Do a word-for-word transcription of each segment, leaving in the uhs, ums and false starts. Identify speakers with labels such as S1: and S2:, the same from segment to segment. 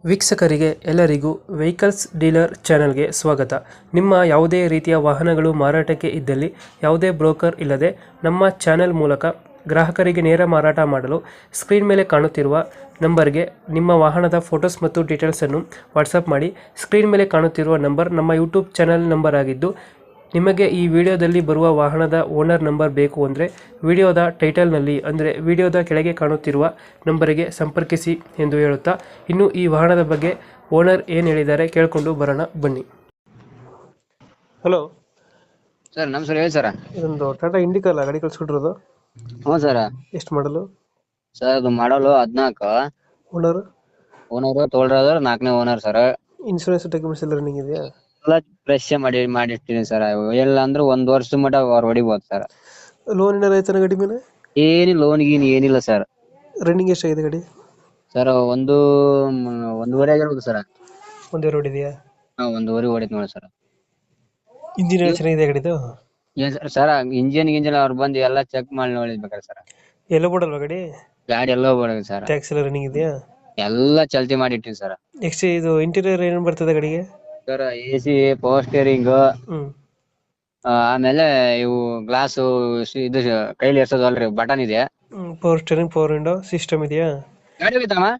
S1: ವೀಕ್ಷಕರಿಗೆ ಎಲ್ಲರಿಗೂ vehicles dealer ಚಾನೆಲ್ಗೆ ಸ್ವಾಗತ. ನಿಮ್ಮ ಯಾವುದೇ ರೀತಿಯ ವಾಹನಗಳು ಮಾರಾಟಕ್ಕೆ ಇದ್ದಲ್ಲಿ ಯಾವುದೇ ಬ್ರೋಕರ್ ಇಲ್ಲದೆ ನಮ್ಮ ಚಾನೆಲ್ ಮೂಲಕ ಗ್ರಾಹಕರಿಗೆ ನೇರ ಮಾರಾಟ ಮಾಡಲು ಸ್ಕ್ರೀನ್ ಮೇಲೆ ಕಾಣುತ್ತಿರುವ ನಂಬರ್ಗೆ ನಿಮ್ಮ ವಾಹನದ ಫೋಟೋಸ್ ಮತ್ತು ಡೀಟೇಲ್ಸನ್ನು ವಾಟ್ಸಪ್ ಮಾಡಿ. ಸ್ಕ್ರೀನ್ ಮೇಲೆ ಕಾಣುತ್ತಿರುವ ನಂಬರ್ ನಮ್ಮ ಯೂಟ್ಯೂಬ್ ಚಾನೆಲ್ ನಂಬರ್ ಆಗಿದ್ದು, ನಿಮಗೆ ಈ ವಿಡಿಯೋದಲ್ಲಿ ಬರುವ ವಾಹನದ ಓನರ್ ನಂಬರ್ ಬೇಕು ಅಂದರೆ ವಿಡಿಯೋದ ಟೈಟಲ್ನಲ್ಲಿ ಅಂದರೆ ವಿಡಿಯೋದ ಕೆಳಗೆ ಕಾಣುತ್ತಿರುವ ನಂಬರಿಗೆ ಸಂಪರ್ಕಿಸಿ ಎಂದು ಹೇಳುತ್ತಾ, ಇನ್ನು ಈ ವಾಹನದ ಬಗ್ಗೆ ಓನರ್ ಏನು ಹೇಳಿದ್ದಾರೆ ಕೇಳಿಕೊಂಡು ಬರೋಣ ಬನ್ನಿ. ಹಲೋ
S2: ಸರ್ ನಮಸ್ಕಾರ, ಹೇಳಿ ಸರ.
S1: ಇದೊಂದು ಟಾಟಾ ಇಂಡಿಕಾ ಅಲ್ಲ ಗಾಡಿ ಕಳ್ಸ್ಕೊಟ್ಟಿರೋದು?
S2: ಹ್ಞೂ ಸರ.
S1: ಎಷ್ಟು ಮಾಡಲು?
S2: ಸರ್ ಅದು ಮಾಡಲು ಹದಿನಾಲ್ಕು.
S1: ಓನರ್?
S2: ಓನರು ತೋಳ್ರ ನಾಲ್ಕನೇ ಓನರ್ ಸರ್.
S1: ಇನ್ಶೂರೆನ್ಸ್ ಡಾಕ್ಯುಮೆಂಟ್ಸ್ ಎಲ್ಲ ರನ್ನಿಂಗ್ ಇದೆಯಾ?
S2: ಎಲ್ಲ ಫ್ರೆಶ್ ಮಾಡಿ ಮಾಡಿರ್ತೀನಿ ಸರ್. ಎಲ್ಲ ಅಂದ್ರೆ ಒಂದ್ ವರ್ಷದ ಮಟ ಅವ್ರು ಹೊಡಿಬೋದು ಸರ್.
S1: ಲೋನ್ ಏನಾರ ಆಯ್ತಾನ ಗಾಡಿ ಮೇಲೆ?
S2: ಏನಿ ಲೋನ್ ಗೀನ್ ಏನಿಲ್ಲ ಸರ್.
S1: ರನ್ನಿಂಗ್ ಎಷ್ಟಾಗಿದೆ ಗಾಡಿ?
S2: ಸರ್ ಒಂದು ಒಂದೂವರೆ ಆಗಿರ್ಬೋದು ಸರ್.
S1: ಒಂದೇ ರೋಡ್ ಇದೆಯಾ?
S2: ಹಾ, ಒಂದೂವರೆ ಹೊಡಿತ್ ನೋಡಿ ಸರ್.
S1: ಇಂಜಿನ್ ಎಲ್ಲ ಚೆನ್ನಾಗಿದೆ ಗಾಡಿದು?
S2: ಏನ್ ಸರ್ ಸರ್ ಇಂಜಿನ್ ಗಿಂಜಿನ್ ಅವ್ರು ಬಂದು ಎಲ್ಲ ಚೆಕ್ ಮಾಡಿ ನೋಡಿದ್ಬೇಕಾರೆ ಸರ್.
S1: ಎಲ್ಲ ಬೋರ್ಡಲ್ವಾ ಗಾಡಿ?
S2: ಗಾಡಿ ಎಲ್ಲ ಹೋಗ್ಬಿಡ ಸರ್.
S1: ಟ್ಯಾಕ್ಸ್ ಎಲ್ಲ ರನ್ನಿಂಗ್ ಇದೆಯಾ?
S2: ಎಲ್ಲ ಚಲ್ತಿ ಮಾಡಿಟ್ಟಿನಿ ಸರ್.
S1: ನೆಕ್ಸ್ಟ್ ಇದು ಇಂಟೀರಿಯರ್ ಏನೇನು ಬರ್ತದೆ ಗಾಡಿಗೆ?
S2: Sir A C, power steering,
S1: ಹ್ಮ್
S2: ಆಮೇಲೆ ಇವು ಗ್ಲಾಸ್ ಇದು ಕೈಲಿ ಎರ್ಸೋದಲ್ರಿ ಬಟನ್ ಇದೆ.
S1: Power steering, power window system ಇದೆಯಾ?
S2: ಗಾಡಿ ಹೋಗಿತ್ತಮ್ಮ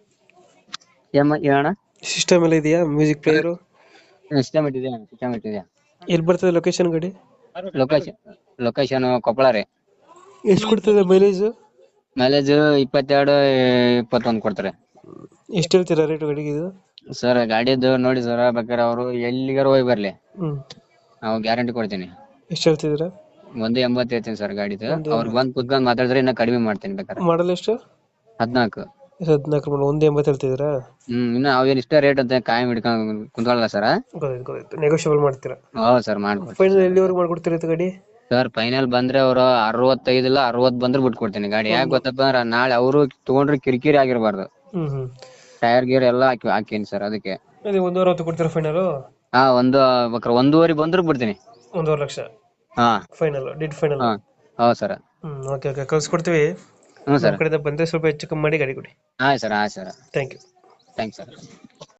S2: ಏನ
S1: ಸಿಸ್ಟಮ್ ಎಲ್ಲ ಇದೆಯಾ? Music player?
S2: ಸಿಸ್ಟಮ್ ಇಟ್ಟಿದೆ ಸಿಸ್ಟಮ್ ಇಟ್ಟಿದೆ.
S1: ಎಲ್ಲಿ ಬರ್ತದೆ ಲೊಕೇಶನ್ ಗಾಡಿ?
S2: ಲೊಕೇಶನ್ ಲೊಕೇಶನ್ ಕೊಪ್ಪಳ ರೀ.
S1: ಎಷ್ಟು ಕೊಡ್ತದೆ ಮೈಲೇಜ್?
S2: ಮೈಲೇಜ್ ಇಪ್ಪತ್ತೆರಡು ಇಪ್ಪತ್ತೊಂದು ಕೊಡ್ತಾರೆ.
S1: ಎಷ್ಟು ಹೇಳ್ತೀರಾ ರೇಟ್ ಗಾಡಿಗೆ ಇದು?
S2: ಸರ್ ಗಾಡಿದ್ದು ನೋಡಿ ಸರ್, ಬೇಕಾದ್ರೆ ಅವರು ಎಲ್ಲಿಗಾರ ಹೋಗಿ ಬರ್ಲಿ,
S1: ಹ್ಮ್
S2: ನಾವು ಗ್ಯಾರಂಟಿ ಕೊಡ್ತೀನಿ.
S1: ಎಷ್ಟು ಹೇಳ್ತಿದ್ದೀರಾ?
S2: ಒಂದು ಎಂಬತ್ತು ಹೇಳ್ತೀನಿ ಸರ್ ಗಾಡಿದು. ಅವ್ರು ಬಂದ್ ಕುತ್ಕೊಂಡ್ ಮಾತಾಡಿದ್ರೆ ಇನ್ನ ಕಡಿಮೆ ಮಾಡ್ತೀನಿ ಬೇಕಾದ್ರೆ.
S1: ಮಾಡಲ್ ಎಷ್ಟು?
S2: ಹದಿನಾಲ್ಕು.
S1: ಹದಿನಾಲ್ಕು ಮಾಡಲ್, ಒಂದು ಎಂಬತ್ತು ಹೇಳ್ತಿದ್ದೀರಾ?
S2: ಹ್ಮ್ ಇನ್ನ ಅವೇನ್ ಇಷ್ಟ ರೇಟ್ ಅಂತ ಕಾಯಂ ಹಿಡ್ಕೊಂಡ್ ಕುಂತ್ಕೊಳ್ಳಲ್ಲ ಸರ್.
S1: ಗೊತ್ತಾಯ್ತು ಗೊತ್ತಾಯ್ತು. ನೆಗೋಷಿಯಬಲ್ ಮಾಡ್ತೀರಾ?
S2: ಹೌದು ಸರ್, ಮಾಡ್ಕೊಡ್ತೀನಿ.
S1: ಫೈನಲ್ ಎಲ್ಲಿವರೆಗೂ ಮಾಡ್ಕೊಡ್ತೀರಾ ಇದು ಗಾಡಿ?
S2: ಸರ್ ಫೈನಲ್ ಬಂದ್ರೆ ಅವ್ರು ಅರವತ್ತೈದು ಇಲ್ಲ ಅರವತ್ ಬಂದ್ರೆ ಬಿಟ್ಕೊಡ್ತೀನಿ ಗಾಡಿ. ಯಾಕೆ ಗೊತ್ತಪ್ಪ ಅಂದ್ರೆ ನಾಳೆ ಅವರು ತಗೊಂಡ್ರೆ ಕಿರಿಕಿರಿ ಆಗಿರ್ಬಾರ್ದು.
S1: ಹ್ಮ್ ಹ್ಮ್
S2: ಟೈರ್ ಗೀರ್ ಎಲ್ಲ ಹಾಕಿ ಹಾಕೀನಿ ಸರ್. ಅದಕ್ಕೆ
S1: ಅದೇ ಒಂದು ಅರವತ್ತು ಕೊಡ್ತೀರಾ ಫೈನಲ್?
S2: ಹಾ, ಒಂದು ಬೇಕಾರೆ ಒಂದೂವರೆ ಬಂದ್ರು ಬಿಡ್ತೀನಿ.
S1: ಒಂದೂವರೆ ಲಕ್ಷ
S2: ಹಾ
S1: ಫೈನಲ್, ಡಿಡ್ ಫೈನಲ್?
S2: ಹಾ ಹೌದು ಸರ್.
S1: ಹ್ಮ್ ಓಕೆ ಓಕೆ, ಕಳ್ಸ್ಕೊಡ್ತೀವಿ.
S2: ಹ್ಞೂ ಸರ್.
S1: ನಮ್ಮ ಕಡೆಯಿಂದ ಬಂದರೆ ಸ್ವಲ್ಪ ಹೆಚ್ಚು ಕಮ್ಮಿ ಮಾಡಿ ಗಾಡಿ ಕೊಡಿ.
S2: ಆಯ್ತು ಸರ್ ಆಯ್ತು sir.
S1: Thank you.
S2: Thanks sir.